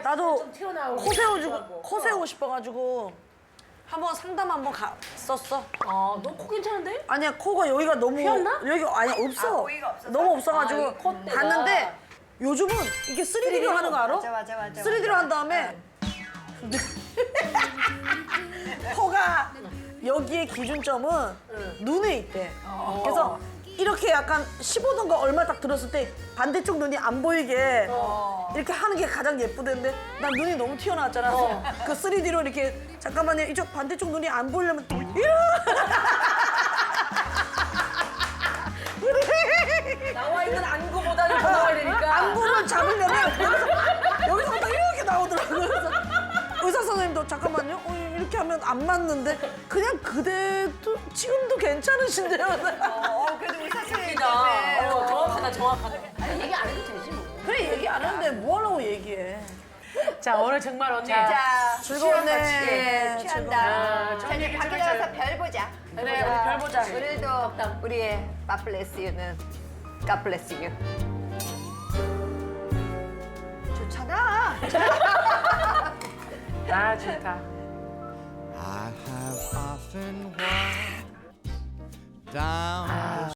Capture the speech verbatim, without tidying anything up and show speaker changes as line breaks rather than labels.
나도
좀 튀어나오고
코 세워주고
싶어하고.
코 세우고 싶어가지고 한번 상담 한번 갔었어.
아, 너 코 괜찮은데?
아니야 코가 여기가 너무
휘었나?
여기가 아니 없어.
아, 고이가 없어서?
너무 없어가지고
아, 이 콧대가.
갔는데 요즘은 이게 쓰리디로 하는 거 알아?
맞아, 맞아, 맞아.
쓰리디로 한 다음에 코가 여기에 기준점은 눈에 있대. 그래서 이렇게 약간 십오 도인가 얼마 딱 들었을 때 반대쪽 눈이 안 보이게 이렇게 하는 게 가장 예쁘던데 난 눈이 너무 튀어나왔잖아. 그래서 그 쓰리디로 이렇게 잠깐만요 이쪽 반대쪽 눈이 안 보이려면 이러
나와 있는 안구보다는 더 나와야 되니까.
안구를 잡으려면 여기서 여기서부터 이렇게 나오더라고요. 그래서 의사 선생님도 잠깐만요. 어, 이렇게 하면 안 맞는데 그냥 그대도 지금도 괜찮으신데요.
어, 그래도 의사 선생님
웃기다.
때문에.
어, 정확하다, 정확하다. 아니, 얘기 안 해도 되지 뭐.
그래 얘기 안 하는데 뭐 하려고 얘기해.
자, 오늘 정말 언니.
자,
즐거웠네.
취한다. 예, 취한다.
아,
자, 이제 밖에 나가서 별 보자.
그래, 우리 별 보자.
오늘도 우리의 God bless you는 God bless you. 좋잖아.
아, 좋다.
I have often walked down